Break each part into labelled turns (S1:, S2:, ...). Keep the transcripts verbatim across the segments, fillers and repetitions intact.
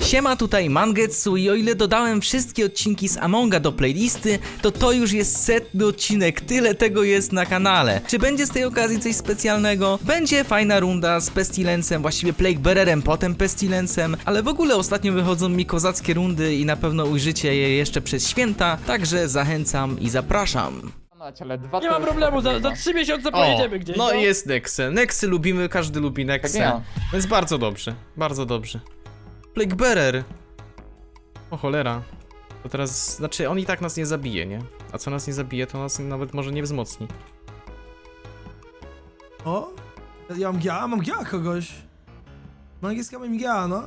S1: Siema, tutaj Mangetsu i o ile dodałem wszystkie odcinki z Amonga do playlisty, to to już jest setny odcinek, tyle tego jest na kanale. Czy będzie z tej okazji coś specjalnego? Będzie fajna runda z Pestilencem, właściwie Plaguebearerem, potem Pestilencem, ale w ogóle ostatnio wychodzą mi kozackie rundy i na pewno ujrzycie je jeszcze przez święta, także zachęcam i zapraszam.
S2: Ale dwa
S3: Nie ma problemu, za, za trzy miesiące pojedziemy gdzieś.
S1: No i jest Nexe. Nexy lubimy, każdy lubi Nexę.
S2: Tak ja.
S1: Więc bardzo dobrze, bardzo dobrze. Plaguebearer. O cholera. To teraz, znaczy on i tak nas nie zabije, nie? A co nas nie zabije, to nas nawet może nie wzmocni.
S4: O? Ja mam gia, mam gia kogoś. Mangiska mam gia, no.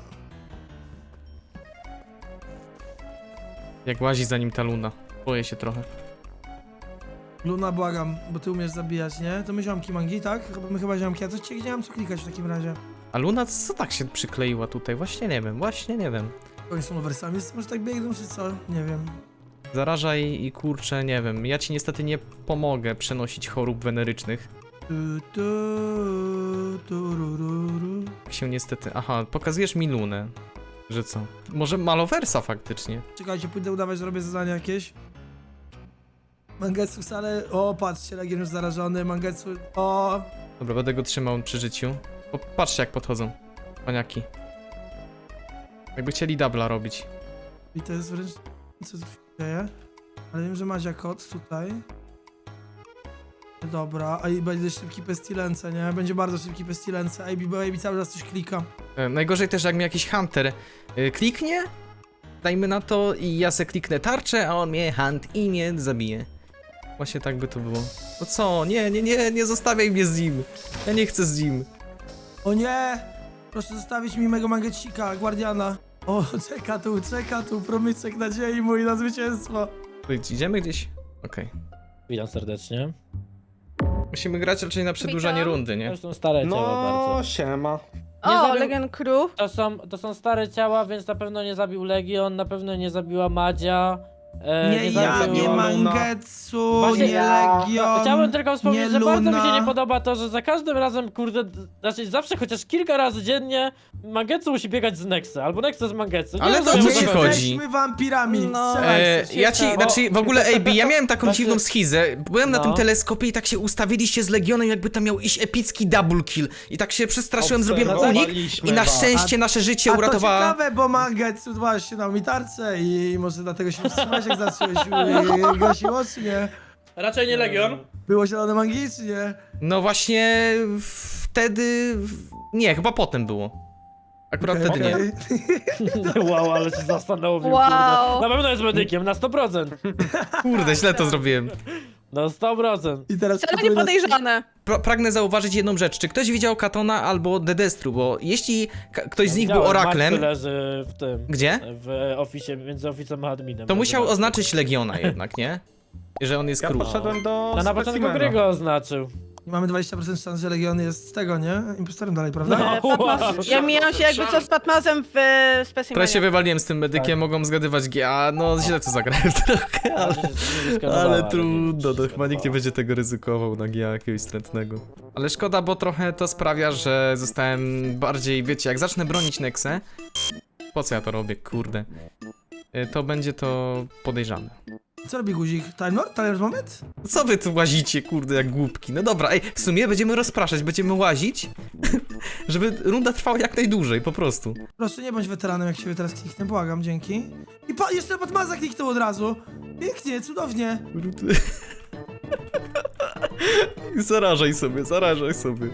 S1: Jak łazi za nim ta Luna. Boję się trochę.
S4: Luna, błagam, bo ty umiesz zabijać, nie? To my ziomki mangi, tak? Chyba, my chyba ziomki, a coś ci nie mam co klikać w takim razie.
S1: A Luna co tak się przykleiła tutaj? Właśnie nie wiem, właśnie nie wiem.
S4: Oni są loversami, może tak biegną czy co? Nie wiem.
S1: Zaraża i, i kurczę, nie wiem. Ja ci niestety nie pomogę przenosić chorób wenerycznych.
S4: Tu, tu, tu, ru, ru, ru.
S1: Tak się niestety... Aha, pokazujesz mi Lunę. Że co? Może Maloversa faktycznie.
S4: Czekajcie, pójdę udawać, że robię zadania jakieś. Mangetsu wcale... O, patrzcie, Legion już zarażony, Mangetsu... O!
S1: Dobra, będę go trzymał przy życiu. O, patrzcie jak podchodzą. Paniaki. Jakby chcieli dubla robić.
S4: I to jest wręcz... Co tu się dzieje? Ale wiem, że Madzia kot tutaj. Dobra, a i będzie szybki pestilence, nie? Będzie bardzo szybki pestilence, A B, bo A B cały czas coś klika.
S1: E, najgorzej też jak mi jakiś hunter e, kliknie, dajmy na to i ja se kliknę tarczę, a on mnie hunt i mnie zabije. Właśnie tak by to było. No co? Nie, nie, nie, nie zostawiaj mnie z nim. Ja nie chcę z nim.
S4: O nie! Proszę zostawić mi mego mangecika, guardiana. O, czeka tu, czeka tu, promyczek nadziei mój na zwycięstwo.
S1: Idziemy gdzieś? Okej.
S3: Witam serdecznie.
S1: Musimy grać raczej na przedłużanie
S5: Witam.
S1: rundy, nie?
S3: To są stare ciała
S2: No,
S3: bardzo.
S2: siema.
S3: Nie
S5: O,
S3: zabił-
S5: Legion Crew.
S3: To są, to są stare ciała, więc na pewno nie zabił Legion, na pewno nie zabiła Madzia. E,
S4: Nie ja,
S3: zabił-
S4: nie
S2: Luna.
S4: Mangetsu,
S3: Właśnie
S4: nie
S3: ja-
S4: Legion,
S3: Chciałbym tylko wspomnieć,
S4: nie
S3: że bardzo mi się
S4: Luna.
S3: nie podoba to, że za każdym razem, kurde, d- znaczy zawsze chociaż kilka razy dziennie Mangetsu musi biegać z Nexa, albo Nexa z Mangetsu. Nie
S1: Ale to
S3: rozumiem,
S1: co ci
S3: tego.
S1: chodzi?
S4: Jesteśmy wampirami,
S5: No.
S4: strzelaj
S1: E,
S4: się,
S1: ja ci,
S4: świetnie.
S1: znaczy w ogóle A B, ja miałem taką
S3: Właśnie-
S1: dziwną schizę. Byłem na
S3: No.
S1: tym teleskopie i tak się ustawiliście z Legionem, jakby tam miał iść epicki double kill. I tak się przestraszyłem, zrobiłem unik
S2: Obserwowaliśmy
S1: i na
S2: was.
S1: szczęście nasze życie
S4: A to
S1: uratowała...
S4: ciekawe, bo Mangetsu właśnie dał mi tarczę i może dlatego się wstrzymałeś, jak zacząłeś y, gasić oczy, nie?
S3: Raczej nie Legion.
S4: Było zielone mangi, czy nie?
S1: No właśnie wtedy... Nie, chyba potem było. Akurat
S4: Okej,
S1: wtedy nie.
S4: okej.
S3: Wow, ale się zastanowił,
S5: Wow.
S3: kurde. Na pewno jest medykiem, na sto procent.
S1: Kurde, źle to zrobiłem.
S3: Na sto procent.
S4: I teraz
S5: Wcale nie podejrzane.
S1: Pra pragnę zauważyć jedną rzecz. Czy ktoś widział Katona albo Dedestru? Bo jeśli ka- ktoś z nich był
S3: Widziałem,
S1: oraklem...
S3: Max leży w tym.
S1: Gdzie?
S3: W oficie, między oficem a adminem.
S1: To musiał
S3: Zobaczcie.
S1: oznaczyć Legiona jednak, nie? Że on jest
S2: Ja
S1: król.
S2: poszedłem do
S3: No na początku
S2: specimena.
S3: gry go oznaczył.
S4: I mamy dwadzieścia procent szans, że Legion jest z tego, nie? Impostorem dalej, prawda?
S3: No.
S5: E, Patmas, ja mijam się jakby co z Patmazem w e,
S1: Trochę się
S5: specimenie.
S1: wywaliłem z tym medykiem, mogą zgadywać G, a no źle to zagrałem trochę, ale... Ale trudno, to chyba nikt nie będzie tego ryzykował na G jakiegoś strętnego. Ale szkoda, bo trochę to sprawia, że zostałem bardziej, wiecie, jak zacznę bronić Nexę, po co ja to robię, kurde, y, to będzie to podejrzane.
S4: Co robi guzik? Time Lord? Time Lord moment?
S1: Co wy tu łazicie, kurde, jak głupki? No dobra, ej, w sumie będziemy rozpraszać, będziemy łazić, żeby runda trwała jak najdłużej, po prostu.
S4: Proszę, nie bądź weteranem, jak się teraz kliknę, błagam, dzięki. I pa, jeszcze Patmaza kliknął od razu. Pięknie, cudownie.
S1: Zarażaj sobie, zarażaj sobie.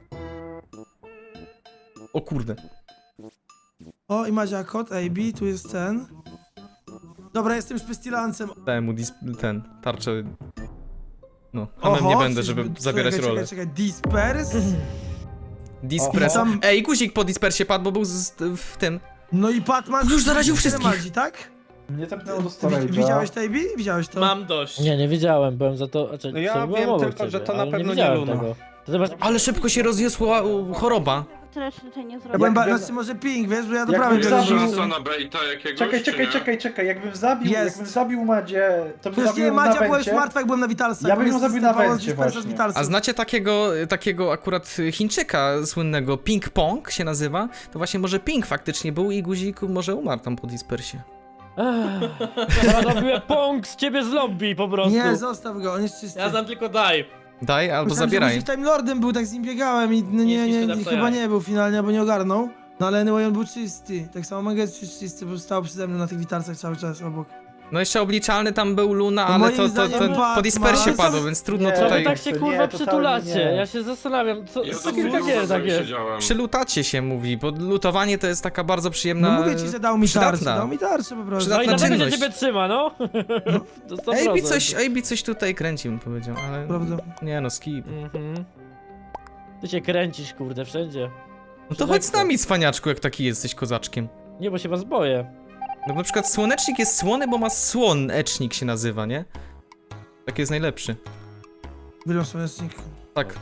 S1: O kurde.
S4: O, i Madzia kot, A B, tu jest ten. Dobra, jestem już pestilancem.
S1: Dałem mu dis- ten, tarczę. No, hamem nie będę, żeby
S4: coś-
S1: zabierać
S4: czekaj,
S1: rolę.
S4: Czekaj, czekaj, Disperse?
S1: Dispres.
S4: Tam-
S1: Ej, guzik po dispersie padł, bo był z, w tym.
S4: No i Patmaz...
S1: Już zaraził wszystkich.
S4: Madzi, tak?
S2: Mnie tepnęło do
S4: Wi-
S2: storage'a.
S4: Widziałeś to, A B? Widziałeś to?
S6: Mam dość.
S3: Nie, nie widziałem, byłem za to. Znaczy,
S2: No ja
S3: co, byłem
S2: wiem
S3: obok
S2: tylko,
S3: ciebie,
S2: że to na
S3: ale
S2: pewno nie
S3: widziałem
S2: Luna.
S3: tego. To zobacz,
S1: Ale szybko się rozniosła u, choroba.
S2: tyle się tutaj nie
S4: Ja
S2: zrobiło.
S4: byłem, ba-
S6: Jakbym-
S4: znaczy może ping, wiesz, bo ja do
S6: Jakbym
S4: prawej biegłem.
S6: zabił-
S4: po
S7: Szansa
S4: prostu.
S7: na baita jakiegoś,
S6: Czekaj,
S7: czy
S6: czekaj,
S7: nie?
S6: czekaj, czekaj, jakbym zabił,
S4: Jest.
S6: jakbym zabił Madzie, to bym
S4: Przecież
S6: zabił
S4: nie,
S6: ją
S4: Madzia
S6: na
S4: była już
S6: węcie.
S4: martwa, jak byłem na Witalsach.
S6: Ja bym
S4: bo
S6: ją
S4: mnie
S6: zabił na
S4: zestawało
S6: węcie
S4: z Dispersa z
S6: właśnie.
S4: Witalsów.
S1: A znacie takiego, takiego akurat Chińczyka słynnego, Ping Pong się nazywa? To właśnie może Ping faktycznie był i guzik może umarł tam po dispersie.
S3: Ja robiłem pong z ciebie z lobby po prostu.
S4: Nie, zostaw go, on jest czysty.
S8: Ja znam tylko daj.
S1: Daj albo
S4: Myślałem,
S1: zabieraj.
S4: że guzik Time Lordem był, tak z nim biegałem i no, nie,
S8: Nic mi
S4: nie,
S8: się
S4: nie,
S8: da
S4: chyba
S8: wstawiać.
S4: nie był finalnie, bo nie ogarnął. No ale anyway, on był czysty. Tak samo Mangetsu jest czysty, bo stał przede mną na tych witalcach cały czas obok.
S1: No jeszcze obliczalny tam był Luna,
S4: No
S1: ale
S4: moim
S1: to, to,
S4: zdaniem
S1: to
S4: Batman-
S1: po dispersie
S4: to-
S1: padło, więc trudno
S6: Nie,
S3: Co wy
S1: tutaj...
S3: tak się
S6: Nie,
S3: kurwa
S6: totalnie
S3: przytulacie?
S6: nie.
S3: Ja się zastanawiam, co,
S7: Ja
S3: co
S7: to
S3: kurwa
S7: dużo
S3: dzieje tak jest?
S7: siedziałem.
S1: Przylutacie się mówi, bo lutowanie to jest taka bardzo przyjemna...
S4: No mówię ci, że dał mi tarczę,
S1: przydatna.
S4: dał mi tarczę po prostu.
S1: Przydatna
S3: No i dlatego się
S1: czynność.
S3: ciebie trzyma, no. To sto
S1: Ejbi
S3: procent.
S1: coś, Ejbi coś tutaj kręci, bym powiedział, ale...
S4: Prawda.
S1: Nie no, skip.
S3: Mhm. Ty się kręcisz, kurde, wszędzie.
S1: No to chodź z nami, cwaniaczku, jak taki jesteś kozaczkiem.
S3: Nie, bo się was boję.
S1: No na przykład słonecznik jest słony, bo ma słonecznik się nazywa, nie? Tak jest najlepszy.
S4: Wyliam słonecznik.
S1: Tak.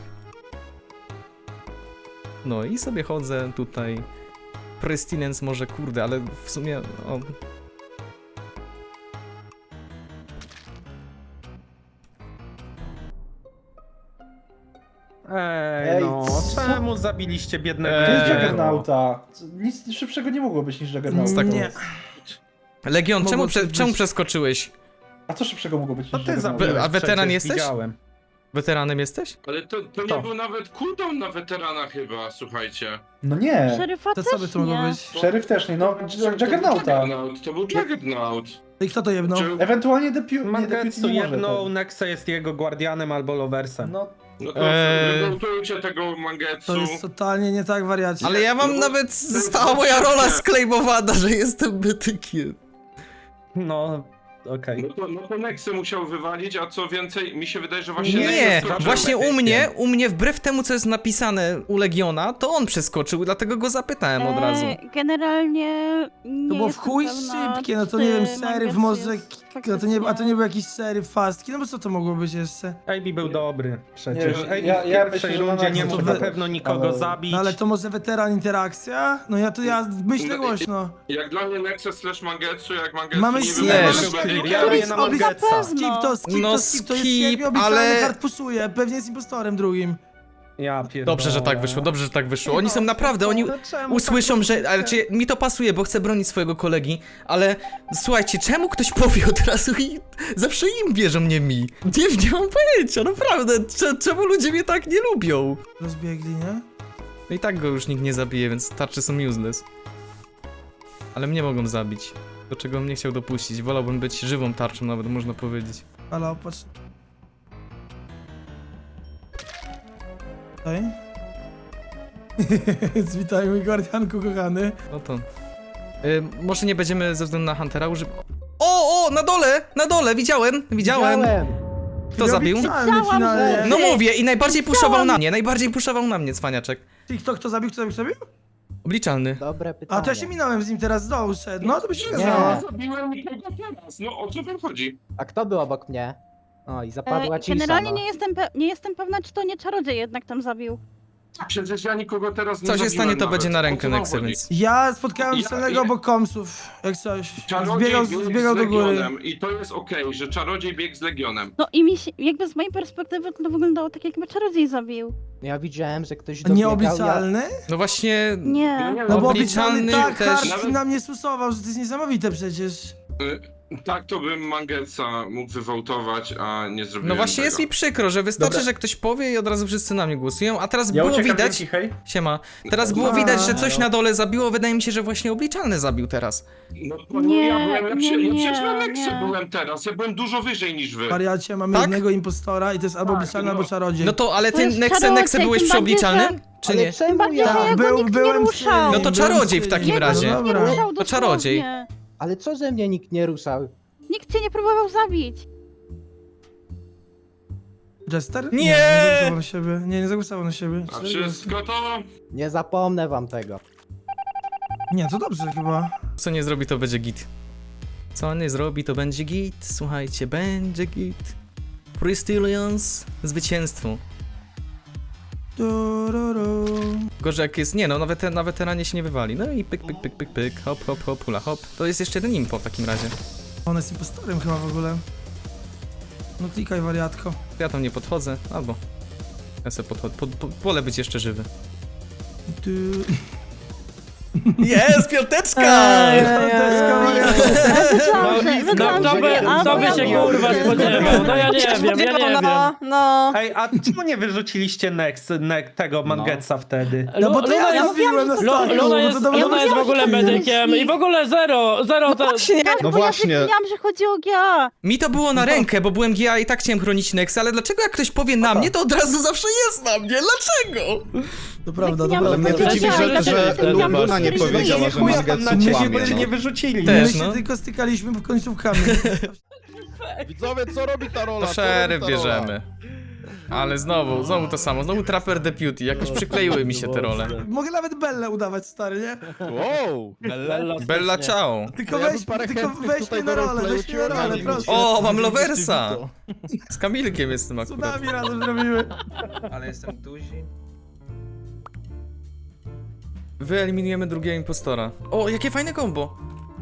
S1: No i sobie chodzę tutaj. Prestinence może, kurde, ale w sumie... O.
S9: Ej,
S6: Ej,
S9: no,
S6: co?
S9: czemu zabiliście biednego
S1: Eee,
S6: To jest
S9: Jerry'ego?
S6: Juggernauta. Co- Nic szybszego nie mogło być niż Juggernaut.
S1: tak
S4: Nie.
S1: Legion, czemu,
S4: Mogło
S1: prze,
S4: coś
S1: czemu
S4: być.
S1: przeskoczyłeś?
S6: A co szybszego mogło być
S9: To
S6: niż
S9: ty
S6: Juggernaut?
S9: zabiłeś
S1: A weteran
S9: przecież,
S1: jesteś?
S9: Widziałem.
S1: Weteranem jesteś?
S7: Ale to, to nie
S9: To.
S7: był nawet cooldown na weterana chyba, słuchajcie.
S6: No nie.
S2: Szeryfa
S4: To
S2: też
S4: co by to mogło
S2: nie.
S4: być?
S6: Szeryf też nie, no
S7: To był
S6: Juggernauta.
S7: Juggernaut, To był Juggernaut.
S4: I kto to jebnął?
S7: Czy-
S6: Ewentualnie Depu... nie,
S9: Mangetsu
S6: Deputy nie może.
S9: jedną,
S6: tak.
S9: Nexa jest jego guardianem albo loversem.
S6: No,
S7: No to
S1: Eee.
S7: wywołtujcie tego Mangetsu.
S4: To jest totalnie nie tak, wariacie.
S1: Ale ja mam
S7: no bo-
S1: nawet...
S7: to jest
S1: Została moja
S7: dobrze.
S1: rola sklejmowana, że jestem bytykiem.
S9: No, okej.
S7: No to, no to Nexy musiał wywalić, a co więcej, mi się wydaje, że właśnie Nexy
S1: Nie,
S7: skoczył.
S1: właśnie u
S9: medykiem.
S1: mnie, u mnie wbrew temu, co jest napisane u Legiona, to on przeskoczył, dlatego go zapytałem od razu.
S2: E, generalnie nie
S4: To było w
S2: jestem
S4: chuj
S2: pewna,
S4: szybkie, no to
S2: czy
S4: nie wiem, szeryf
S2: Mangetsu
S4: może...
S2: jest
S4: No to nie, a to
S2: faktycznie-
S4: nie był jakiś szeryf fastki, no bo co to mogło być jeszcze?
S9: A B był dobry przecież.
S6: Nie,
S9: A B
S6: ja-
S9: w
S6: ja
S9: pierwszej
S6: myślę, że
S9: rundzie
S6: Max
S9: nie
S6: to
S9: mógł
S4: wy-
S9: na pewno nikogo
S6: ale-
S9: zabić.
S4: No ale to może weteran interakcja? No ja to ja myślę
S7: No,
S4: głośno.
S7: Jak dla mnie Nexus slash Mangetsu, jak Mangetsu
S4: Mamy
S7: nie
S4: slash.
S7: wybrał,
S1: Slash.
S7: to będzie
S9: Ja
S7: Nexus.
S9: robię na
S4: Obli-
S9: Mangetsa.
S4: Skip to, skip
S1: No
S4: to, skip to jest
S1: skip,
S4: siedmiu obliczalny
S1: ale-
S4: kart puszuje, pewnie jest impostorem drugim.
S9: Ja pierdolę.
S1: Dobrze, że tak wyszło, dobrze, że tak wyszło. Oni są naprawdę, oni
S9: No czemu
S1: usłyszą,
S9: tak
S1: że... Ale czy, mi to pasuje, bo chcę bronić swojego kolegi, ale słuchajcie, czemu ktoś powie od razu i zawsze im bierze mnie mi? Nie, nie mam pojęcia, naprawdę, cze- czemu ludzie mnie tak nie lubią?
S4: Rozbiegli, nie?
S1: No i tak go już nikt nie zabije, więc tarcze są useless. Ale mnie mogą zabić, do czego bym nie chciał dopuścić. Wolałbym być żywą tarczą nawet, można powiedzieć.
S4: Ale opatrz. Tutaj. Witaj mój guardianku kochany.
S1: No to... Y, może nie będziemy ze względu na Huntera używać... O, o, na dole, na dole, widziałem, widziałem. Kto zabił?
S4: Obiecałem mnie finalnie.
S1: No mówię, i najbardziej puszował na mnie, najbardziej puszował na mnie, cwaniaczek.
S4: I kto, kto zabił, kto zabił, kto zabił?
S1: Obliczalny.
S10: Dobre pytanie.
S4: A to ja się minąłem z nim teraz z dołu szedł. No to by się nie
S10: Nie.
S4: zdało.
S7: Nie zabiłem nikogo teraz, no o co wam chodzi?
S10: A kto był obok mnie? O, i zapadła
S2: E,
S10: cisza,
S2: generalnie
S10: no.
S2: nie jestem, pe- nie jestem pewna, czy to nie czarodziej jednak tam zabił.
S7: Przecież ja nikogo teraz nie
S1: Co się
S7: zabiłem
S1: stanie, to
S7: nawet.
S1: będzie na
S7: O
S1: rękę
S7: co wam
S1: Nexy,
S7: chodzi?
S1: więc...
S4: Ja spotkałem
S7: Ja-
S4: celnego
S7: ja-
S4: obok komsów, jak coś.
S7: Czarodziej
S4: Zbiegał,
S7: biegł
S4: zbiegał
S7: z
S4: do góry.
S7: Legionem i to jest okej, że czarodziej biegł z Legionem.
S2: No i mi się, jakby z mojej perspektywy to wyglądało tak, jakby czarodziej zabił.
S10: Ja widziałem, że ktoś dobiegał,
S4: Nieobliczalny?
S1: No właśnie...
S2: Nie.
S4: No bo
S1: Obliczalny
S4: obliczalny tak
S1: też-
S4: hard
S7: Nawet-
S4: na mnie susował, że to jest niesamowite przecież.
S7: Y, Tak to bym Mangetsa mógł wywołtować, a nie zrobiłem
S1: No właśnie
S7: tego.
S1: jest mi przykro, że wystarczy,
S6: Dobra.
S1: że ktoś powie i od razu wszyscy na mnie głosują, a teraz
S6: ja
S1: było
S6: uciekam
S1: widać...
S6: dzięki, hej.
S1: Siema. Teraz było
S4: A,
S1: widać, że coś
S6: no.
S1: na dole zabiło, wydaje mi się, że właśnie obliczalny zabił teraz.
S7: No to nie,
S2: Nie,
S7: ja byłem, ja, przy,
S2: nie,
S7: ja przecież na
S2: nie,
S7: Nexie
S2: nie.
S7: byłem teraz, ja byłem dużo wyżej niż wy.
S4: Wariacie, mamy
S1: Tak?
S4: jednego impostora i to jest albo
S7: Tak,
S4: obliczalny,
S7: no.
S4: albo czarodziej.
S1: No to, ale
S2: To
S1: ty,
S2: jest
S1: Nexe,
S2: czarodziej,
S1: Nexe byłeś
S2: tym
S1: przy
S2: bardziej, że-
S1: obliczalnym? Czy
S10: Ale
S1: nie?
S10: czemu
S2: bardziej,
S10: ja?
S2: że ja go
S4: był,
S2: nikt nie
S4: byłem
S2: ruszał.
S4: przy nim,
S1: No to
S4: byłem
S1: czarodziej
S4: przy
S1: w takim
S4: nim.
S1: razie.
S4: No
S2: Nie
S4: dobra.
S2: ruszał
S1: To czarodziej.
S2: dosłownie.
S10: Ale co, że mnie nikt nie ruszał?
S2: Nikt cię nie próbował zabić.
S4: Jester?
S1: Nie!
S4: Nie, nie zagłosował na siebie. Nie, nie zagłosował na siebie.
S7: A wszystko to...
S10: Nie zapomnę wam tego.
S4: Nie, to dobrze chyba.
S1: Co nie zrobi, to będzie git. Co nie zrobi, to będzie git. Słuchajcie, będzie git. Pristillions, zwycięstwo.
S4: Tururu.
S1: Gorzej jak jest, nie no, na, weter na weteranie się nie wywali. No i pyk, pyk, pyk, pyk, pyk, hop, hop, hop, hula, hop. To jest jeszcze jeden impo w takim razie.
S4: On jest impostorem chyba w ogóle. No klikaj, wariatko.
S1: Ja tam nie podchodzę, albo... Ja sobie podchodzę, po, po, wolę być jeszcze żywy.
S4: Tu...
S1: Jest, piąteczka!
S4: Piąteczka,
S3: No, kto by, kto by się kurwa spodziewał? No ja nie wiem, ja nie wiem.
S5: No, no.
S9: Ej, a czemu nie wyrzuciliście Nex, ne, tego Mangetsa wtedy?
S4: No bo to
S3: Luna
S4: ja
S3: jest,
S4: mówiłem na
S3: Lu-
S4: startu,
S3: Luna
S4: bo
S3: jest,
S4: to dobra
S3: Luna jest w ogóle medykiem i w ogóle zero, zero to...
S5: Właśnie.
S2: Tak,
S8: No
S2: bo
S8: właśnie.
S2: ja wiedziałam, że chodzi o G A.
S1: Mi to było na rękę, bo byłem G A i tak chciałem chronić Nexa, ale dlaczego jak ktoś powie na mnie, to od razu zawsze jest na mnie? Dlaczego?
S4: To prawda, to
S2: Ja
S8: Ale
S4: prawda.
S8: mnie to dziwi,
S2: Ja
S8: że,
S2: też
S8: że
S2: wiedziałam,
S8: Luna nie
S2: że
S8: powiedziała,
S2: nie
S8: że
S9: chuja tam
S8: Mangetsu
S9: na ciebie,
S8: kłamie,
S9: bo cię
S8: no.
S9: nie wyrzucili.
S1: Też,
S4: My się
S1: no.
S4: tylko stykaliśmy w końcówkami.
S8: Widzowie, co robi ta rola?
S1: To
S8: Co robi
S1: szeryf
S8: ta rola?
S1: bierzemy. Ale znowu, znowu to samo, znowu Trapper Deputy, jakoś przykleiły mi się te role.
S4: Mogę nawet Bellę udawać, stary, nie?
S8: Wow!
S3: Bella,
S1: Bella ciao.
S4: Tylko
S8: Ja bym
S4: weź,
S8: parę
S4: tylko
S8: chętnych
S4: weź
S8: tutaj
S4: mnie na
S8: do
S4: rolę,
S8: roleplayu
S4: weź mnie na rolę,
S8: przyjąłem.
S4: proszę.
S1: O, mam Loversa! Z Kamilkiem jestem
S4: Co
S1: akurat.
S4: nami razem zrobimy?
S11: Ale jestem duzi.
S1: Wyeliminujemy drugiego impostora. O, jakie fajne combo!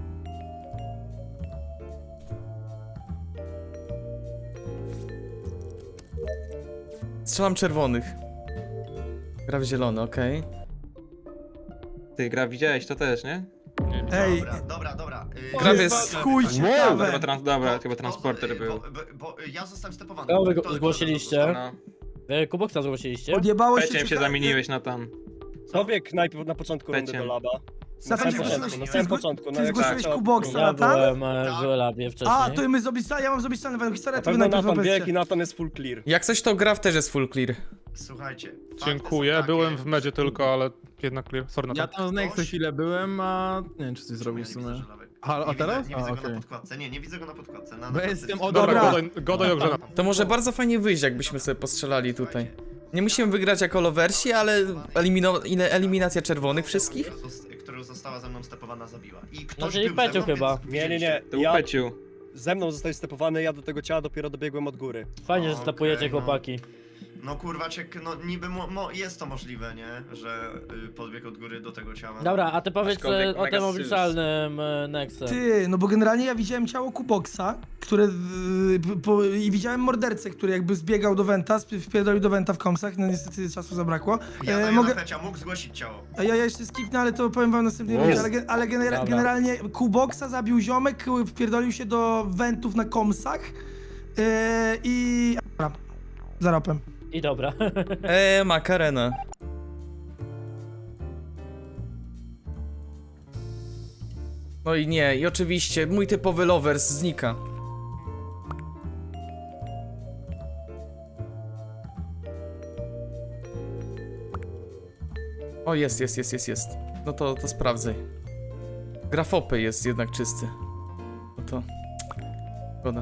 S1: Strzelam czerwonych. Gra w zielony, okej.
S11: Ty, gra widziałeś to też, nie?
S4: Ej,
S12: Dobra, dobra, dobra. Yy,
S1: Gra
S4: to
S1: jest-
S4: jest chuj
S11: Chyba,
S4: ciekawe.
S11: trans, dobra,
S12: bo-
S11: chyba
S12: bo-
S11: transporter
S12: bo,
S11: był.
S12: Bo, bo, ja zostałem stepowany.
S3: Kogo wy
S12: Kto- kto-
S3: zgłosiliście?
S11: No.
S3: Wy Kuboksa zgłosiliście?
S4: Odjebało się
S11: Peciem się
S4: ciekawe.
S11: zamieniłeś na tam.
S12: Pobieg
S13: najpierw na początku
S11: rundy do
S13: laba.
S4: Stefan, ty zgłosiłeś,
S12: na
S4: ty
S12: samym
S4: zgło-
S13: początku,
S4: ty zgłosiłeś Kuboksa,
S3: Ja
S4: Natan?
S3: byłem e, w labie wcześniej.
S4: A, to my zrobić ja mam zrobić salę, historię, to wy
S13: Pewno
S4: najpierw
S13: Natan bieg
S4: opowiedzcie.
S13: i Natan jest full clear.
S1: Jak coś to gra w też jest full clear.
S12: Słuchajcie. fakty
S8: Dziękuję,
S12: są takie,
S8: byłem w medzie
S12: że-
S8: tylko, ale jednak clear. Sorry na
S12: Ja
S8: to.
S12: tam z Nexo chwilę
S13: byłem, a nie wiem czy coś
S12: Czemu ja nie widzę żelawek?
S13: A- a
S12: Nie widzę-
S13: teraz?
S12: Nie
S13: A,
S12: widzę go
S13: okej.
S12: na podkładce, nie, nie widzę go na podkładce. Na,
S13: Bo
S12: na
S13: jestem
S12: podkładce.
S13: od-
S4: Dobra.
S8: Godaj, godaj ogrzena.
S1: To może bardzo fajnie wyjść, jakbyśmy sobie postrzelali tutaj. Nie musimy wygrać jako lowersi, ale elimino ile eliminacja czerwonych wszystkich?
S12: Która zosta- Która została ze mną stepowana, zabiła. I ktoś
S3: No, czyli
S12: był ze
S3: Peciu
S12: mną,
S3: chyba.
S12: więc
S13: Nie, nie, nie.
S11: To był Peciu.
S13: Ze mną zostałeś stepowany, ja do tego ciała dopiero dobiegłem od góry.
S3: Fajnie, że
S12: Okej,
S3: stapujecie
S12: no.
S3: chłopaki.
S12: No kurwa, ciek, no niby mo, mo, jest to możliwe, nie? Że y, podbieg od góry do tego ciała.
S3: Dobra, a ty powiedz
S11: Aczkolwiek
S3: e, o
S11: mega
S3: tym
S11: sus.
S3: obliczalnym e, Nexem.
S4: Ty, no bo generalnie ja widziałem ciało Kuboksa, które y, po, i widziałem mordercę, który jakby zbiegał do Wenta, sp- wpierdolił do Wenta w komsach, no niestety czasu zabrakło.
S12: Ja
S4: E,
S12: daję
S4: mogę,
S12: na Pecia, mógł zgłosić ciało.
S4: a ja, ja jeszcze skipnę, ale to powiem wam następnej
S8: Wow.
S4: rundzie, ale, gen- ale genera-
S3: Dobra.
S4: generalnie Kuboksa zabił ziomek, wpierdolił się do Wentów na komsach e, i... Dobra, za ropem.
S3: I dobra.
S1: Eee, makarena. No i nie, i oczywiście mój typowy lovers znika. O, jest, jest, jest, jest, jest. No to, to sprawdzaj. Grafopy jest jednak czysty. No to... Szkoda.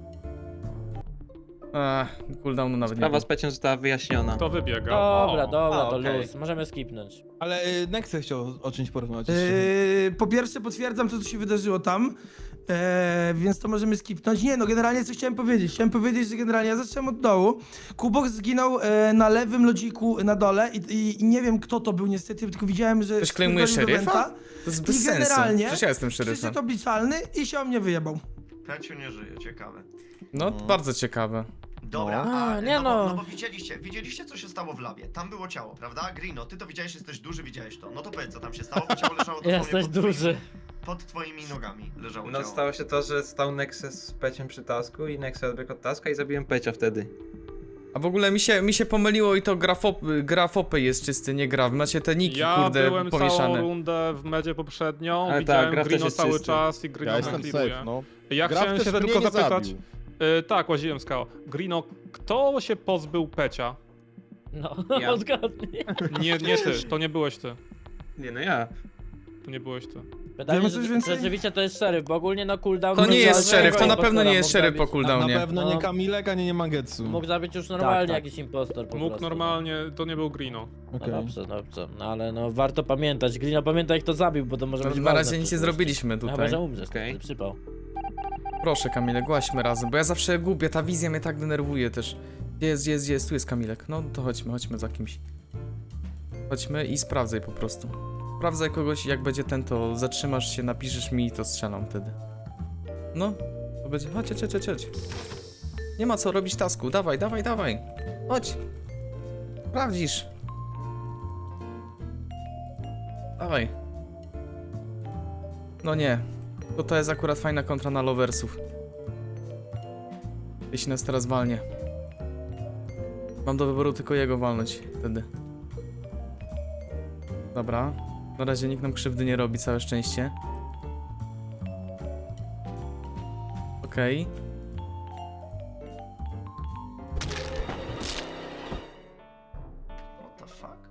S1: A, cooldownu nawet nie
S11: Sprawa
S1: było.
S11: z Peciem została wyjaśniona.
S8: To wybiega.
S3: Dobra,
S8: O.
S3: dobra,
S11: A,
S3: to
S11: okej.
S3: luz. Możemy skipnąć.
S13: Ale Nexy chciał o czymś porozmawiać.
S4: Yy, po pierwsze potwierdzam to, co się wydarzyło tam, e, więc to możemy skipnąć. Nie no, generalnie co chciałem powiedzieć? Chciałem powiedzieć, że generalnie ja zacząłem od dołu. Kubok zginął e, na lewym lodziku na dole i, i, i nie wiem kto to był niestety, tylko widziałem, że...
S1: Ktoś klejmuje
S4: wpierdolił do
S1: szeryfa?
S4: Wenta.
S1: To jest
S4: I
S1: bez sensu.
S4: generalnie
S1: Przecież ja jestem szeryfem.
S4: Przyszedł obliczalny i się o mnie wyjebał.
S12: Peciu nie żyje, ciekawe.
S1: No, bardzo ciekawe.
S12: Dobra,
S3: No.
S12: a,
S3: A, nie
S12: no,
S3: no.
S12: Bo, no bo widzieliście, widzieliście co się stało w labie. Tam było ciało, prawda? Grino, ty to widziałeś, jesteś duży, widziałeś to. No to powiedz co tam się stało, bo ciało leżało dosłownie
S3: Jesteś
S12: pod
S3: duży.
S12: Twoimi, pod twoimi nogami leżało
S11: No
S12: ciało.
S11: stało się to, że stał Nexus z Peciem przy tasku i Nexus odbiegł od taska i zabiłem Pecia wtedy.
S1: A w ogóle mi się, mi się pomyliło i to grafop, grafopy jest czysty, nie gra. Macie te niki,
S8: Ja
S1: kurde,
S8: byłem całą
S1: pomieszane.
S8: rundę w medzie poprzednią,
S11: Ale
S8: widziałem
S11: tak, Graf też
S8: Grino
S11: jest
S8: cały
S11: czysty.
S8: czas i Grino
S13: Ja jestem
S8: nakliwuje.
S13: safe, no.
S8: Ja
S13: Graf
S8: chciałem
S13: też
S8: się
S13: mnie
S8: tylko
S13: nie
S8: zapytać,
S13: zabił.
S8: y, tak, łaziłem skała. Grino, kto się pozbył Pecia?
S3: No,
S11: Ja.
S3: odgadnij.
S8: Nie, nie ty, to nie byłeś ty.
S11: Nie no ja.
S8: To nie byłeś ty.
S3: Pytanie,
S4: Wiemy coś
S3: czy
S4: więcej?
S3: rzeczywiście to jest szeryf, bo ogólnie no cooldown...
S1: To nie
S3: mógł
S1: jest
S3: zabić
S1: szeryf, to na
S3: impostora,
S1: pewno nie
S3: mógł
S1: jest szeryf po
S3: zabić-
S1: cooldownie.
S13: pewno
S3: No.
S13: nie Kamilek, ani nie Mangetsu.
S3: Mógł zabić już normalnie
S5: tak.
S3: jakiś impostor po
S8: Mógł
S3: prostu.
S8: normalnie, to nie był Grino.
S3: No
S13: Okej.
S3: dobrze, dobrze. No ale no warto pamiętać. Grino pamiętaj kto zabił, bo to może
S1: No,
S3: być
S1: na
S3: ważne
S1: razie
S3: w
S1: nic nie
S3: przyszłości.
S1: zrobiliśmy
S3: No, chyba,
S1: tutaj.
S3: że umrzesz,
S11: Okej.
S3: okay. przypał.
S1: Proszę Kamilek, głaśmy razem, bo ja zawsze gubię, ta wizja mnie tak denerwuje też. Gdzie jest, gdzie jest, gdzie jest, tu jest Kamilek. No to chodźmy, chodźmy za kimś. Chodźmy i sprawdzaj po prostu. Sprawdzaj kogoś, jak będzie ten, to zatrzymasz się, napiszesz mi i to strzelam wtedy. No, to będzie... Chodź, chodź, chodź, chodź. Nie ma co robić tasku, dawaj, dawaj, dawaj. Chodź. Sprawdzisz. Dawaj. No nie. To to jest akurat fajna kontra na loversów. Jeśli nas teraz walnie. Mam do wyboru tylko jego walnąć wtedy. Dobra. Na razie nikt nam krzywdy nie robi, całe szczęście. Okej.
S12: What the fuck?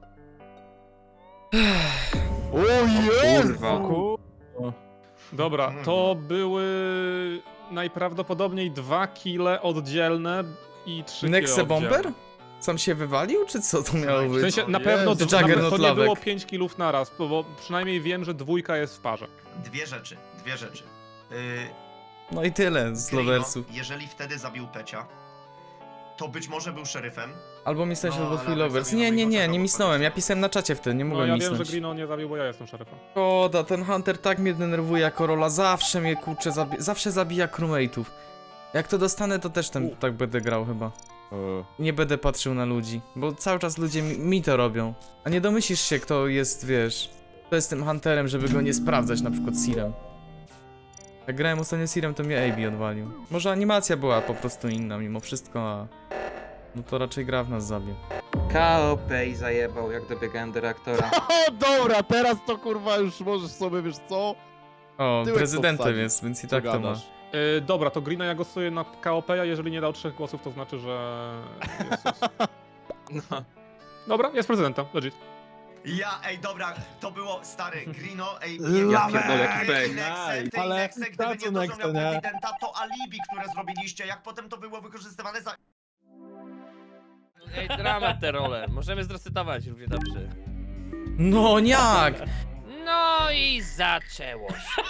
S7: Kurwa.
S8: Dobra, to były najprawdopodobniej dwa kile oddzielne i trzy kile
S1: Nexe Bomber?
S8: oddzielne.
S1: Sam się wywalił, czy co to miało
S8: W
S1: być?
S8: sensie na pewno
S1: Jezu.
S8: to, na,
S1: Juggernaut
S8: to nie
S1: lawek.
S8: było pięć kilów naraz, bo, bo przynajmniej wiem, że dwójka jest w parze.
S12: Dwie rzeczy, dwie rzeczy. Yy,
S1: No i tyle z
S12: Grino,
S1: loversów.
S12: jeżeli wtedy zabił Pecia, to być może był szeryfem.
S1: Albo misnąć,
S12: No,
S1: albo
S12: ale
S1: twój
S12: tak
S1: lovers.
S12: sobie
S1: Nie,
S12: na
S1: nie,
S12: moich
S1: nie,
S12: oczach
S1: nie
S12: obok
S1: misnąłem. Ja
S12: powiedziałem.
S1: pisałem na czacie wtedy, nie
S8: No
S1: mogłem
S8: ja wiem,
S1: misnąć.
S8: że Grino nie zabił, bo ja jestem szeryfem.
S1: Szkoda, ten Hunter tak mnie denerwuje jako rola. Zawsze mnie kurczę, zabi zawsze zabija crewmate'ów. Jak to dostanę, to też ten, tak będę grał chyba. Nie będę patrzył na ludzi, bo cały czas ludzie mi, mi to robią. A nie domyślisz się, kto jest, wiesz, kto jest tym Hunterem, żeby go nie sprawdzać, na przykład Seerem. Jak grałem ostatnio Seerem, to mnie A B odwalił. Może animacja była po prostu inna mimo wszystko, a... No to raczej gra w nas zabił.
S11: K O P i zajebał, jak dobiegałem do reaktora.
S13: O, dobra, teraz to kurwa już możesz sobie, wiesz co?
S1: O,
S13: Tyłek
S1: prezydentem
S13: powsadzić.
S1: jest, więc i
S13: Co
S1: tak to ma.
S13: gadasz?
S8: Yy, dobra, to Grino ja głosuję na K O P, a jeżeli nie dał trzech głosów, to znaczy, że... Jezus.
S11: No.
S8: Dobra, jest prezydentem, legit.
S12: Ja, ej, dobra, to było stary Grino, ej,
S4: Lawek!
S12: ja
S11: pierdolę, jaki fake.
S12: Nexe, ty
S13: Ale
S12: i Nexe, gdyby
S13: za
S12: nie
S13: co
S12: to, że
S13: Nexe,
S12: miał
S13: nie?
S12: konfidenta, to alibi, które zrobiliście, jak potem to było wykorzystywane za...
S3: Ej, dramat te role. Możemy zresetować równie dobrze.
S1: No jak?
S3: No i zaczęło się.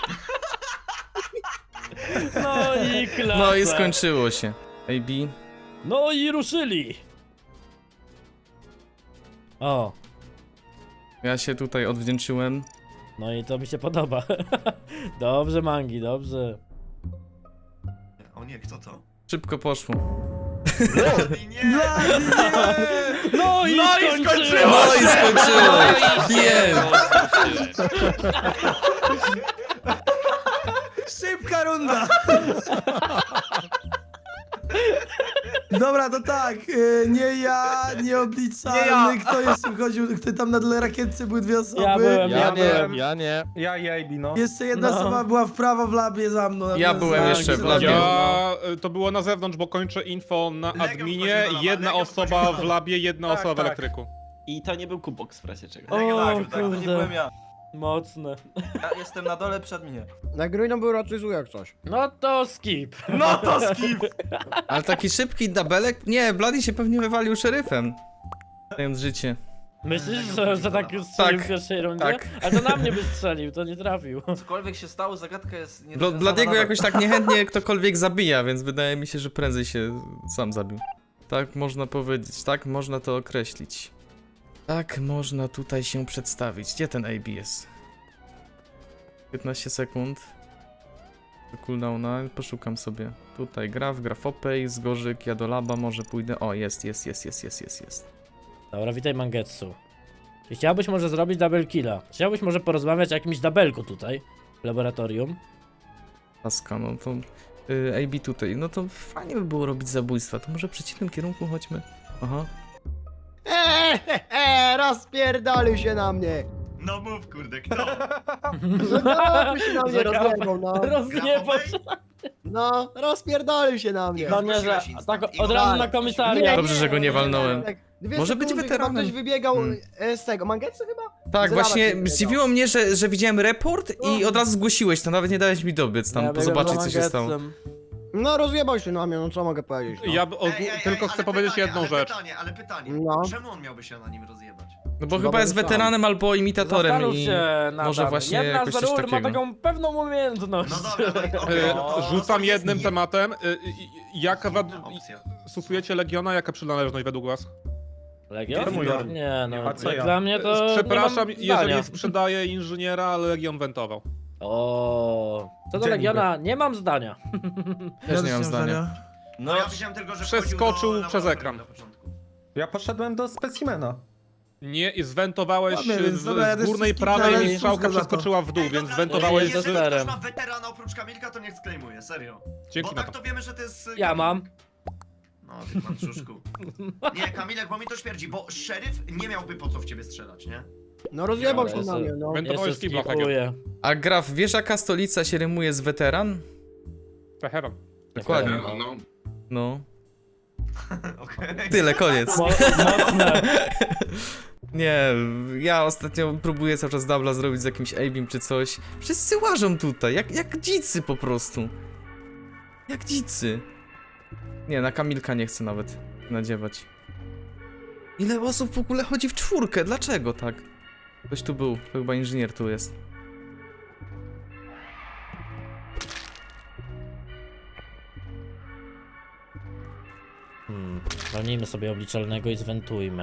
S3: No i klasa.
S1: No i skończyło się. A B.
S3: No i ruszyli. O,
S1: Ja się tutaj odwdzięczyłem.
S3: no i to mi się podoba. Dobrze, Mangi, dobrze.
S12: O nie, kto to?
S1: Szybko poszło.
S12: Bloody nie!
S3: No i,
S12: No i skończyło
S1: No i skończyło! Wiem!
S4: Szybka runda! Dobra, to tak, y, nie ja, nieobliczalny, kto jeszcze chodził, kto tam na dole rakietce były dwie osoby.
S3: Ja byłem,
S13: Ja
S3: ja
S13: nie,
S3: byłem.
S13: ja nie.
S9: Ja i A B, no.
S4: Jeszcze jedna
S3: No.
S4: osoba była w prawo w labie za mną.
S1: Ja byłem jeszcze w labie.
S8: Ja, y, to było na zewnątrz, bo kończę info na
S12: Legion
S8: adminie,
S12: wchodził do laba,
S8: jedna
S12: Legion
S8: osoba
S12: wchodził do
S8: w labie, jedna
S9: Tak,
S8: osoba w
S9: tak.
S8: elektryku.
S9: I to nie był Kubok w razie czego.
S3: O,
S12: tak, to nie
S3: kurde.
S9: ja.
S3: Mocne.
S9: Ja jestem na dole przy adminie.
S13: Na Grino był raczej zły jak coś.
S3: No to skip.
S9: No to skip!
S1: Ale taki szybki dabelek? Nie, Bloody się pewnie wywalił szeryfem. Dając życie.
S3: Myślisz, że, że tak już strzelił
S1: Tak,
S3: w pierwszej rundzie?
S1: tak.
S3: A to na mnie by strzelił, to nie trafił.
S9: Cokolwiek się stało, zagadka jest nie
S1: Bl Bladiego jakoś tak niechętnie ktokolwiek zabija, więc wydaje mi się, że prędzej się sam zabił. Tak można powiedzieć, tak można to określić. Tak można tutaj się przedstawić. Gdzie ten A B jest? piętnaście sekund. Do cooldowna, poszukam sobie. Tutaj Graf, Grafopej, Zgorzyk, ja do laba może pójdę. O, jest, jest, jest, jest, jest, jest, jest.
S3: Dobra, witaj Mangetsu. Czy chciałbyś może zrobić double killa? Chciałbyś może porozmawiać o jakimś dabelku tutaj w laboratorium?
S1: Laska, no to... Yy, A B tutaj, no to fajnie by było robić zabójstwa, to może w przeciwnym kierunku chodźmy. Aha.
S13: Eee, eee, rozpierdolił się na mnie.
S12: No mów, kurde, kto?
S13: No, się na mnie
S3: Że graf-
S13: rozjebał, no.
S3: Rozgniewał się.
S13: No, rozpierdolił się na mnie.
S3: No nie, że
S12: Zgłosiłeś instant.
S3: tak
S12: I
S3: od razu
S12: nie,
S3: na komisariat.
S1: Dobrze, że go nie walnąłem.
S13: Tak, dwie
S1: Może być
S13: sekundy,
S1: weteranem.
S13: chyba ktoś wybiegał
S1: Hmm.
S13: e, z tego, Mangetsu chyba?
S1: Tak,
S13: Z
S1: właśnie
S13: laba się
S1: zdziwiło mnie, że, że widziałem report i od razu zgłosiłeś to, nawet nie dałeś mi dobiec tam,
S3: Ja biegłem
S1: zobaczyć
S3: za
S1: co się stało.
S3: Mangetzem.
S13: No, rozjebał się na mnie, no co mogę powiedzieć, no.
S8: Ja b-
S12: Ej, ej, ej,
S8: tylko
S12: ale
S8: chcę powiedzieć
S12: pytanie,
S8: jedną
S12: ale
S8: rzecz.
S12: Pytanie, ale pytanie,
S13: No.
S12: czemu on miałby się na nim rozjebać?
S1: No bo
S13: Chyba
S1: chyba jest
S13: był sam.
S1: weteranem albo imitatorem
S3: Zastanów
S1: i...
S3: się nad
S1: może
S3: tym.
S1: właśnie
S3: Jedna
S1: jakoś
S3: z
S1: coś
S3: ról ma
S1: takiego.
S3: taką pewną umiejętność.
S12: No dobra, no i okej,
S8: Y,
S12: no to-
S8: Rzucam
S12: to
S8: jednym
S12: jest
S8: tematem. Y, y, Jaka wad...
S12: inna opcja.
S8: Stosujecie Legiona? Jaka przynależność według was?
S3: Legion?
S7: Gryffindor.
S3: Nie no,
S9: A co
S3: jak
S9: ja?
S3: dla mnie to
S8: Przepraszam,
S3: nie mam zdania.
S8: jeżeli sprzedaję inżyniera, ale Legion wentował.
S3: O, co do
S4: Gdzie
S3: Legiona, nie mam zdania.
S1: Też nie mam zdania.
S12: No ja widziałem tylko, że
S8: Przeskoczył
S12: wchodził do
S8: przez
S12: laboratorium
S8: ekran.
S12: na początku.
S9: Ja poszedłem do specimena.
S8: Nie, i zwentowałeś
S4: Ładnie, więc
S8: z,
S4: dobra, ja
S8: z
S4: też
S8: górnej
S4: wszystkich
S8: prawej
S4: dalej
S8: i strzałka
S4: słucham za to.
S8: przeskoczyła w dół,
S12: Ej,
S8: więc
S12: dobra,
S8: zwentowałeś
S3: jest
S8: z...
S12: Jeżeli ktoś
S3: sterem.
S12: ma weterana oprócz Kamilka, to niech sklejmuje, serio.
S8: Dzięki
S12: Bo
S8: na
S12: tak
S8: to.
S12: to wiemy, że to jest... y,
S3: Ja
S12: Kamilek.
S3: mam.
S12: No, ty pan Trzuszku. Nie, Kamilek, bo mi to śmierdzi, bo szeryf nie miałby po co w ciebie strzelać, nie?
S13: No rozjebał się
S3: Jeszcze-
S13: na mnie, no.
S8: Wentowałeś
S3: Jeszcze
S8: z kibla, tak
S3: skipuję.
S1: A Graf, wiesz jaka stolica się rymuje z weteran?
S8: Teheran.
S1: Dokładnie.
S7: No, no.
S1: No.
S12: Okej.
S1: Tyle, koniec.
S3: Mo mocne.
S1: Nie, ja ostatnio próbuję cały czas dubla zrobić z jakimś Abim czy coś. Wszyscy łażą tutaj, jak, jak dzicy po prostu. Jak dzicy. Nie, na Kamilka nie chcę nawet nadziewać. Ile osób w ogóle chodzi w czwórkę? Dlaczego tak? Ktoś tu był, to chyba inżynier tu jest.
S3: Hmm, walnijmy sobie obliczalnego i zwentujmy.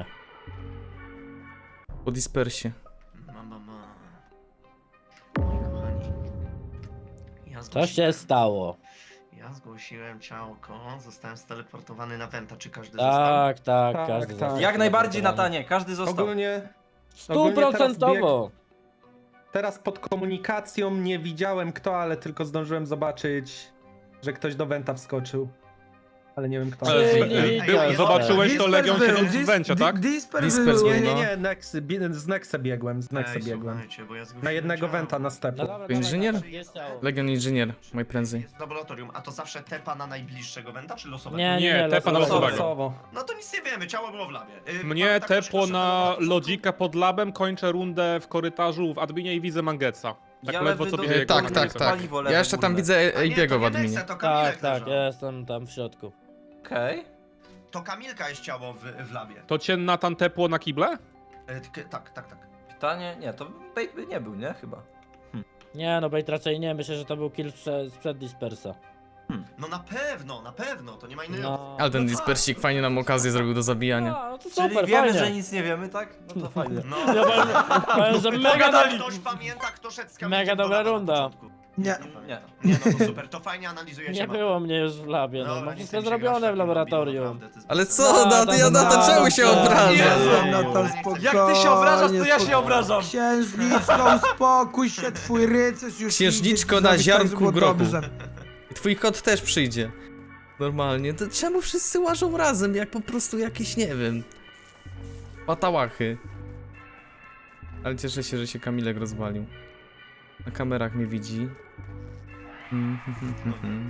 S1: Po dispersie.
S12: Ma, ma, ma. Moi kochani. Ja
S3: Co się
S12: zgłosiłem-
S3: stało?
S12: Ja zgłosiłem ciałko, zostałem steleportowany na Wenta, czy każdy został?
S3: Tak, tak,
S9: Tak,
S3: każdy
S9: tak.
S3: został
S9: Jak
S3: najbardziej
S9: Natanie,
S3: każdy
S9: Ogólnie, ogólnie teraz
S3: Stuprocentowo.
S9: teraz pod komunikacją nie widziałem kto, ale tylko zdążyłem zobaczyć, że ktoś do Wenta wskoczył. Ale nie wiem kto.
S8: Ale
S3: Czyli
S8: z-
S3: widział,
S8: był- Zobaczyłeś to,
S4: Disper
S8: Legion
S4: był,
S8: siedząc w
S4: Dis-
S8: Wencie,
S4: Di-
S8: tak?
S4: Disper
S1: Disper
S4: był.
S1: był,
S9: Nie, nie,
S1: no.
S9: nie, Nex, bi- z Nexa biegłem, z Nexa
S12: Ej,
S9: biegłem.
S12: słuchajcie, bo ja zgłosiłem
S9: Na jednego
S12: ciało.
S9: Wenta na stepu.
S3: No dobra,
S1: To inżynier?
S3: dawaj, jest ciało.
S1: Legion inżynier, najprędzej.
S12: Jest w laboratorium, a to zawsze tepa na najbliższego Wenta, czy losowego?
S3: Nie, nie,
S8: Nie,
S3: nie,
S8: tepa na
S3: losowo.
S8: losowego.
S9: Losowo.
S12: No to nic nie wiemy, ciało było w labie. Yy,
S8: Mnie
S12: pamiętam, ktoś
S8: tepło
S12: poszedł do
S8: na
S12: początku?
S8: lodzika pod labem, kończę rundę w korytarzu w adminie i widzę Mangetsa. Tak
S11: Ja
S8: ledwo
S11: lewy
S8: co
S11: do-
S8: widzę
S1: E,
S8: jego
S1: tak, tak,
S8: analizę.
S1: tak.
S11: Paliwo lewe
S1: Ja jeszcze tam
S11: górne.
S1: widzę
S12: A nie,
S1: Abiego
S12: to
S1: w
S12: nie
S1: adminie.
S12: Nexe, to Kamilek
S3: Tak, tak,
S12: leżał.
S3: ja jestem tam w środku.
S11: Okej.
S12: To Kamilka jest ciało w, w labie.
S8: To cię Natan tepło na kible?
S12: E, k- tak, tak, tak.
S11: Pytanie, nie, to bait by nie był, nie? Chyba.
S3: Nie, no bait raczej nie, myślę, że to był kill prze, sprzed dispersa.
S12: No na pewno, na pewno, to nie ma innej opcji.
S3: No,
S1: Ale ten
S12: No
S1: dispersik fajnie nam okazję zrobił do zabijania.
S3: no, no to
S11: Czyli
S3: super,
S11: wiemy,
S3: fajnie.
S11: że nic nie wiemy, tak? No to fajnie.
S12: No,
S3: Ja powiem, powiem, że mega, do...
S12: ktoś pamięta, kto szedł z Kamilkiem
S3: Mega
S12: do
S3: dobra
S12: laba na
S3: runda.
S12: początku?
S4: Nie.
S12: Nie pamiętam. Nie, no to super, to fajnie analizujecie
S3: nie
S12: mapę.
S3: było mnie już w labie, no,
S12: Dobra,
S3: no
S12: nie
S3: wszystko
S12: chcę mi się grać
S3: zrobione w
S12: takim
S3: laboratorium.
S12: lobby, naprawdę, to jest
S1: Ale
S12: bez
S1: co,
S3: No,
S1: na
S3: tam-
S1: ja na to
S3: no,
S1: czemu się
S3: no,
S1: obrażasz?
S4: Jezu,
S12: no,
S4: Natal,
S12: nie chcę-
S4: spokojnie.
S11: Jak ty się obrażasz, to ja się
S4: spokojnie.
S11: obrażam.
S4: Księżniczko, uspokój się, twój rycerz już
S1: Księżniczko
S4: idzie
S1: na
S4: zrobić
S1: ziarnku
S4: tak, żeby było
S1: grochu.
S4: dobrze.
S1: I twój kot też przyjdzie. Normalnie. To czemu wszyscy łażą razem, jak po prostu jakieś, nie wiem... patałachy. Ale cieszę się, że się Kamilek rozwalił. Na kamerach mnie widzi. Mm, hmm, hmm, hmm.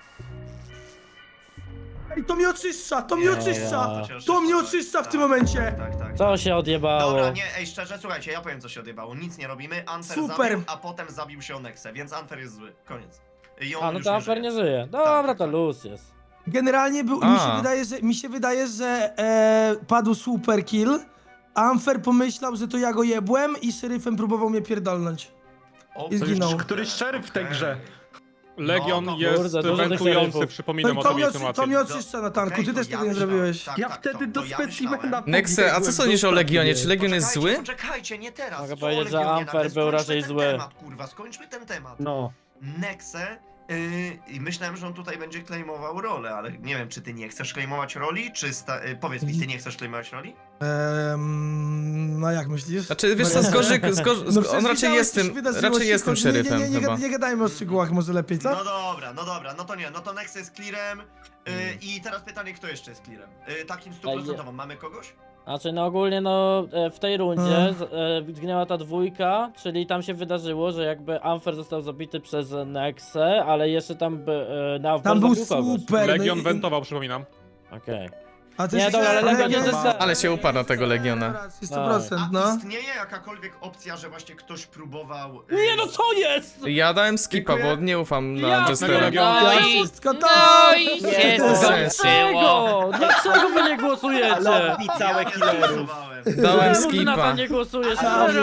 S4: Ej, to mnie oczyszcza, to mnie
S3: Ja.
S4: oczyszcza!
S12: cię
S4: To mnie
S12: oczyszcza,
S4: oczyszcza w
S12: tak,
S4: tym momencie!
S12: Tak, tak.
S3: Co się odjebało?
S12: Dobra, nie, ej, szczerze, słuchajcie, ja powiem co się odjebało. Nic nie robimy, Anfer
S4: Super.
S12: zabił, a potem zabił się o Nexę, więc Anfer jest zły. Koniec. I on
S3: A, no
S12: już
S3: to
S12: nie
S3: Amper
S12: żyje.
S3: nie żyje. Dobra,
S12: tak,
S3: to
S12: tak.
S3: luz jest.
S4: Generalnie był,
S1: A.
S4: mi się wydaje, że, mi się wydaje, że e, padł super kill. Amfer pomyślał, że to ja go jebłem i szeryfem próbował mnie pierdolnąć.
S12: O,
S4: I zginął.
S9: Któryś szeryf w tej
S12: okej.
S9: grze.
S8: Legion
S12: No to-
S8: jest
S3: Kurde, dużo tych
S8: wentujący,
S3: szeryfów.
S8: przypominam o
S4: To, to,
S8: tobie
S4: mnie,
S8: w tym
S4: oczy- to mnie
S8: łatwiej.
S4: oczyszcza, Natanku,
S12: Okej,
S4: ty
S12: to
S4: też
S12: ja
S4: tego nie
S12: myślałem-
S4: zrobiłeś.
S12: tak,
S9: Ja
S12: tak,
S9: wtedy
S12: to-
S9: do
S12: to ja
S9: specimena
S12: myślałem.
S1: Nexe, a co sądzisz o Legionie? Czy Legion jest
S12: Poczekajcie,
S1: zły?
S12: Poczekajcie, nie teraz.
S3: Mogę
S12: co
S3: powiedzieć, że
S12: Legionie
S3: Amfer
S12: nagle?
S3: był
S12: Skończmy
S3: raczej
S12: ten
S3: zły.
S12: Temat, kurwa, skończmy ten temat.
S9: No.
S12: Nexe yy, i myślałem, że on tutaj będzie claimował rolę, ale nie wiem, czy ty nie chcesz claimować roli, czy sta- yy, powiedz mi, ty nie chcesz claimować roli?
S4: Ehm, no jak myślisz?
S1: Znaczy, wiesz co, z gorzyk, z gorz...
S4: No
S1: z...
S4: przecież
S1: on raczej
S4: widziałeś,
S1: jest
S4: co się
S1: tym,
S4: wydarzyło,
S1: raczej
S4: cicho,
S1: jest tym
S4: nie,
S1: szeryfem
S4: nie, nie,
S1: chyba.
S4: nie, nie gadajmy o szczegółach może lepiej, co?
S12: No dobra, no dobra, no to nie, no to Nexe jest clearem yy, i teraz pytanie, kto jeszcze jest clearem? Yy, takim stuprocentowym, mamy kogoś?
S3: Znaczy, no ogólnie, no e, w tej rundzie
S4: Mm.
S3: z- e, zginęła ta dwójka, czyli tam się wydarzyło, że jakby Amfer został zabity przez Nexę, ale jeszcze tam by e, na
S4: Tam był
S3: zabił kogoś.
S4: super. no
S8: Legion
S4: i-
S8: wentował, przypominam.
S3: Okej.
S4: A ty
S3: Nie,
S4: się-
S3: dobra, ale Legion
S4: Legion
S3: nie
S4: jest-
S3: został.
S1: Ale się uparł na tego Legiona.
S4: sto procent,
S12: A
S4: no.
S12: istnieje jakakolwiek opcja, że właśnie ktoś próbował... yy,
S3: Nie no, co jest?
S1: Ja dałem skipa, bo nie ufam na
S3: Ja
S1: Jestera.
S8: Legiona.
S3: No
S4: Ja
S3: i-
S4: wszystko to!
S3: No i
S1: się
S3: Dlaczego? Dlaczego wy nie głosujecie?
S12: Ja nie głosowałem.
S1: Dałem
S3: Czemu ty na to
S1: skipa.
S3: nie głosujesz?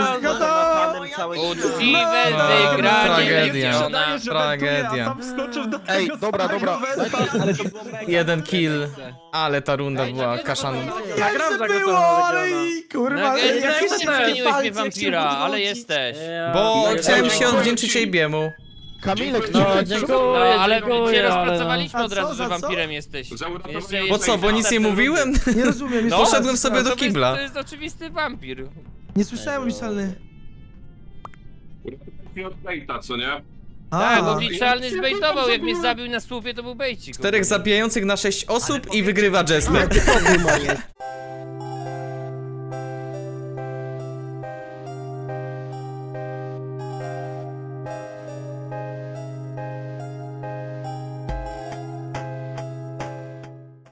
S14: Uczciwe
S1: No,
S14: wygranie
S1: tragedia.
S14: Legiona.
S1: Tragedia.
S6: Ej, dobra, dobra.
S1: Jeden kill. Ale ta runda była kaszana.
S3: Nagram za
S4: było, ale i kurwa, ale
S14: Nugget,
S4: jak
S14: jak
S4: się
S14: się zmieniłeś mnie wampira, ale jesteś.
S1: Bo
S3: Ja-
S1: chciałem się odwdzięczyć Ejbiemu.
S6: Kamilek,
S3: No,
S14: No,
S3: dziękuję,
S14: ale
S3: dziękuję,
S14: cię
S3: ale no.
S14: rozpracowaliśmy
S4: A
S14: od
S4: co,
S14: razu,
S4: za
S14: że
S4: co?
S14: wampirem jesteś.
S7: Zauważyłem,
S14: Jeszcze
S7: że-
S1: Bo co, bo nic nie mówiłem?
S4: Nie rozumiem, nie
S14: No,
S4: słyszałem.
S1: Poszedłem sobie do
S14: To jest,
S1: kibla.
S14: to jest oczywisty wampir.
S4: Nie słyszałem, Miszalny.
S7: I od Bejta, co nie?
S14: Tak, bo
S4: A,
S14: obliczalny zbejtował, jak mnie zabił na słupie, to był bejcik.
S1: Czterech zabijających na sześć osób i wygrywa Jester.
S13: Typowy humor jest.